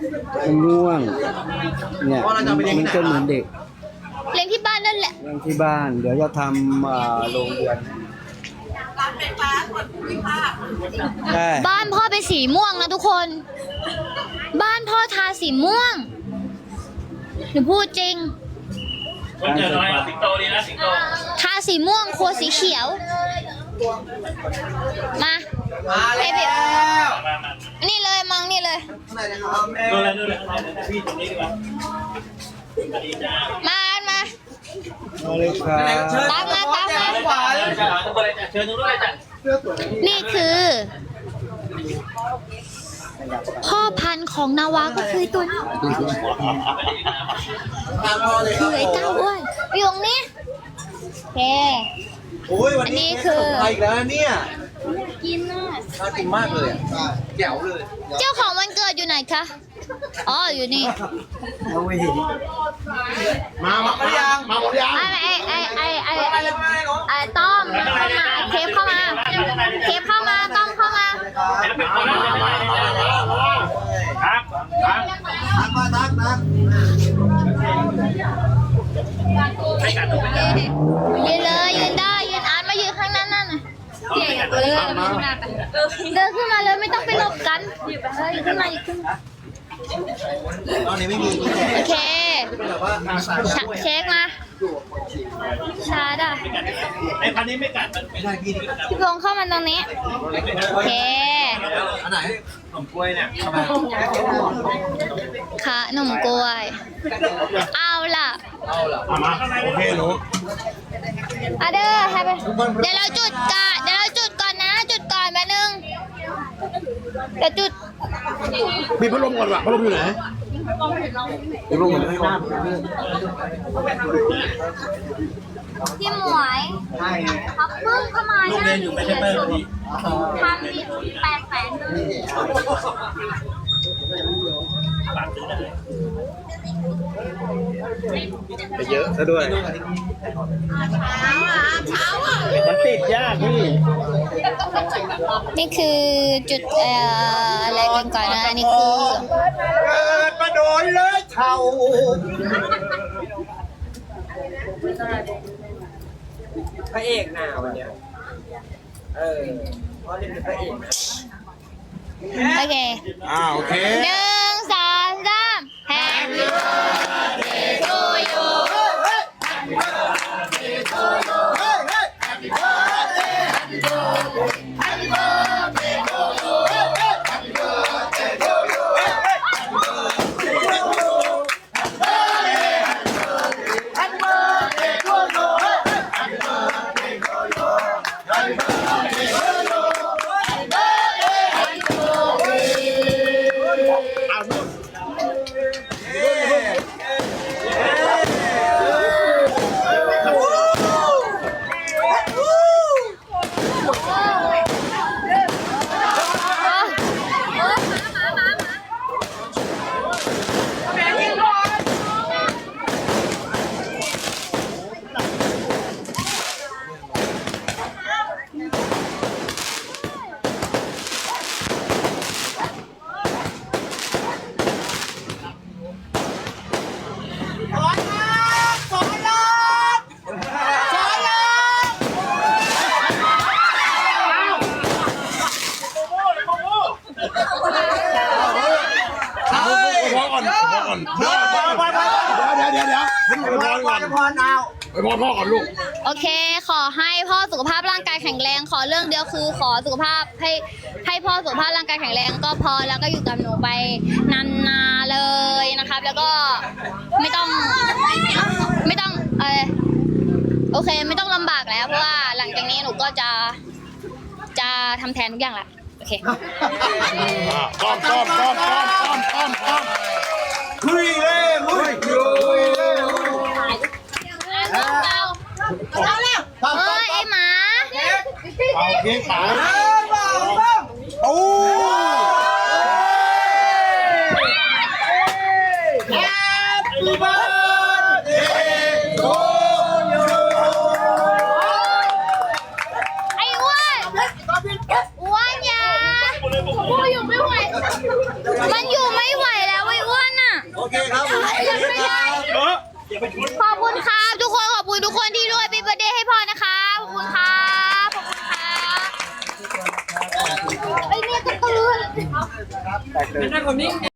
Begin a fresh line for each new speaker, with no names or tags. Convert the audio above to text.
ง่วงเนี่ยมันจะเหมือนเด็ก
เลี้ยงที่บ้านนั่นแหละ
เลี้ยงที่บ้านเดี๋ยวจะทำโรงเรือนใช่
บ้านพ่อเป็นสีม่วงนะทุกคน บ้านพ่อทาสีม่วงหนูพูดจริง
วันเกิดน้อยสิงโตดีนะสิงโต
ทาสีม่วงครัวสีเขียว มาให้พี่
มา
นี่เลยมองนี่เลย
ดูเลยพี่ตรงนี้ดีกว่า
มา
มาเลยครับ
ตามมา
เชิญทุกคนเลยจ้ะ
นี่คือพ่อพันธุ์ของนาวาก็คือตัวนี้คือไอ้เต้าอ้วนอยู่ตรงนี้โอเค
โอ้ยวันนี้คืออีกแล้วเนี่ย
กินน่ะ
น่ากินมากเลยแจ๋วเลย
เจ้าของวันเกิดอยู่ไหนคะอ๋ออยู่นี่
เราไม่เห็น
มาหมดยังมาหมดยัง
ไอ้ต้อมเข้ามาเทปเข้ามาเทปเข้ามาต้อมเข้ามา
ครับครับ
ทักมาทักนะ
ยืนเลยยืนได้ยืนอาร์ตมายืนข้างนั้นนั่นน่ะเดินขึ้นมาเลยไม่ต้องไปหลบกันยืนขึ้นมายืนขึ้นมา
ตอนนี้ไม่มี
โอเค
แบบว่า
เช็คมาชาร์ดอ่ะ
ไอ้พันนี้ไม่กัดมันไม่ได้พี่
พี่พงษ์เข้ามาตรงนี้โอเค
อันไหน
ขนมกล้วยเนี่ย
ค่ะหนุ่มกล้วย เอาล่ะ
มาโอเคหนู
อะเด้อให้ไปเดี๋ยวเราจุดก่อนนะจุดก่อนแป๊บนึงเดี๋ยวจุด
มีพัดลมก่อนว่ะพัดลมอยู่ไหนพัดลมอยู่ไหน
พี่หมวยเขาเพิ่งเข้ามา
ลูกเรียนอยู่ไม่ใช่เปิ้ลพี่
ทำดิ800,000เลย
ไปเยอะซะด้วยมันติดยากพี่
นี่คือจุดอะไรกันก่อนนะอันนี่คือ
เกิดมาโดนเลยเท่าพระเอกนาวันเนี้ยเพราะเล่นเป็นพระเอกนะ
โอเค
โอเค
1 2 3 Happy birthday to youโอเค ขอให้พ่อสุขภาพร่างกายแข็งแรง ขอเรื่องเดียวคือขอสุขภาพให้พ่อสุขภาพร่างกายแข็งแรงก็พอแล้วก็อยู่กับหนูไปนานๆเลยนะครับ แล้วก็ไม่ต้องโอเคไม่ต้องลำบากแล้วเพราะว่าหลังจากนี้หนูก็จะทำแทนทุกอย่างแหละโอเค
ป้อม
คุยเลยคุยเลย
เอาแล้วไอ้หมา
เอาเพียงขา
โอ้ Happy birthday to you
ไอ้อ้วนอ้วนอย่ามันอยู่ไม่ไหวแล้วไอ้
เคครับผม
ขอบคุณครับทุกคนขอบคุณทุกคนที่ด้วยเป็นเบอร์เดย์ให้พ่อนะคะขอบคุณครับขอบคุณครับไอ้เนี่ยก็ตื่น